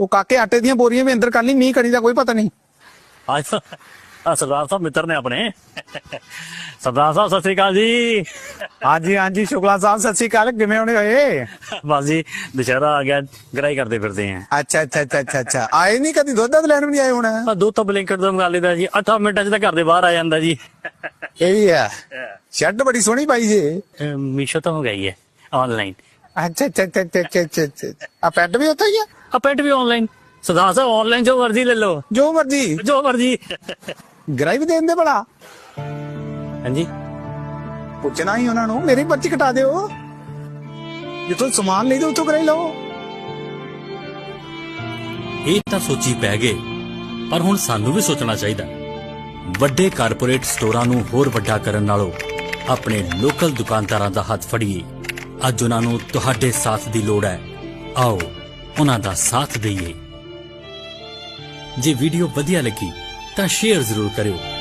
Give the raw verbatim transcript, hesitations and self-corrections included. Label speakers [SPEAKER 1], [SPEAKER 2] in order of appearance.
[SPEAKER 1] ਉਹ ਕਾਕੇ ਆਟੇ ਦੀਆਂ ਬੋਰੀਆਂ ਵੀ ਅੰਦਰ ਕਰ ਲਈ, ਮੀਂਹ ਕਣੀ ਦਾ ਕੋਈ ਪਤਾ ਨਹੀਂ।
[SPEAKER 2] ਅੱਜ ਆ ਸਰਦਾਰ ਸਾਹਿਬ ਮਿੱਤਰ ਨੇ ਆਪਣੇ। ਸਰਦਾਰ ਸਾਹਿਬ ਸਤਿ ਸ੍ਰੀ ਅਕਾਲ ਜੀ।
[SPEAKER 1] ਹਾਂਜੀ ਹਾਂਜੀ ਸ਼ੁਕਲਾ ਸਾਹਿਬ ਸਤਿ ਸ਼੍ਰੀ ਅਕਾਲ, ਕਿਵੇਂ ਹੋਣੇ ਹੋਏ?
[SPEAKER 2] ਬਸ ਜੀ ਦੁਸ਼ਹਿਰਾ ਆ ਗਿਆ, ਗਰਾਈ ਕਰਦੇ ਫਿਰਦੇ ਆ।
[SPEAKER 1] ਅੱਛਾ ਅੱਛਾ ਅੱਛਾ ਅੱਛਾ ਅੱਛਾ ਆਏ ਨਹੀਂ ਕਦੀ, ਦੁੱਧ ਦੱਧ ਲੈਣ ਵੀ ਨਹੀਂ ਆਏ ਹੁਣ?
[SPEAKER 2] ਆ ਦੋ ਤਾਂ ਬਲਿੰਕਟ ਤੋਂ ਮੰਗਾ ਲਈਦਾ ਜੀ, ਅੱਠਾਂ ਮਿੰਟਾਂ 'ਚ ਤਾਂ ਘਰ ਦੇ ਬਾਹਰ ਆ ਜਾਂਦਾ ਜੀ।
[SPEAKER 1] ਇਹ ਵੀ ਆ, ਸ਼ਰਟ ਬੜੀ ਸੋਹਣੀ ਪਾਈ ਜੀ।
[SPEAKER 2] ਮੀਸ਼ੋ ਤੋਂ ਮੰਗਾਈ ਹੈ ਆਨਲਾਈਨ।
[SPEAKER 1] ਅੱਛਾ ਅੱਛਾ ਅੱਛਾ ਅੱਛਾ ਅੱਛਾ ਅੱਛਾ ਆ ਪੈਂਟ ਵੀ ਉੱਥੇ ਹੀ ਆ?
[SPEAKER 2] ਆ ਪੈਂਟ ਵੀ ਆਨਲਾਈਨ। ਸਰਦਾਰ ਸਾਹਿਬ ਆਨਲਾਈਨ ਜੋ ਮਰਜ਼ੀ ਲੈ ਲਓ,
[SPEAKER 1] ਜੋ ਮਰਜੀ
[SPEAKER 2] ਜੋ ਮਰਜ਼ੀ।
[SPEAKER 1] ਗਰਾਈ ਵੀ ਦੇ ਦਿੰਦੇ ਭਲਾ?
[SPEAKER 2] ਹਾਂਜੀ
[SPEAKER 1] ਪੁੱਛਣਾ ਹੀ ਉਹਨਾਂ ਨੂੰ, ਮੇਰੀ ਪਰਚੀ ਕਟਾ ਦਿਓ, ਜਿੱਥੋਂ ਸਮਾਨ ਲਈਦੇ ਉੱਥੋਂ ਗਰਾਈ ਲਓ।
[SPEAKER 3] ਇਹ ਤਾਂ ਸੋਚੀ ਪੈ ਗਏ, ਪਰ ਹੁਣ ਸਾਨੂੰ ਵੀ ਸੋਚਣਾ ਚਾਹੀਦਾ। ਵੱਡੇ ਕਾਰਪੋਰੇਟ ਸਟੋਰਾਂ ਨੂੰ ਹੋਰ ਵੱਡਾ ਕਰਨ ਨਾਲੋਂ ਆਪਣੇ ਲੋਕਲ ਦੁਕਾਨਦਾਰਾਂ ਦਾ ਹੱਥ ਫੜੀਏ। ਅੱਜ ਉਹਨਾਂ ਨੂੰ ਤੁਹਾਡੇ ਸਾਥ ਦੀ ਲੋੜ ਹੈ, ਆਓ ਉਹਨਾਂ ਦਾ ਸਾਥ ਦਈਏ। ਜੇ ਵੀਡੀਓ ਵਧੀਆ ਲੱਗੀ ਤਾਂ ਸ਼ੇਅਰ ਜ਼ਰੂਰ ਕਰਿਓ।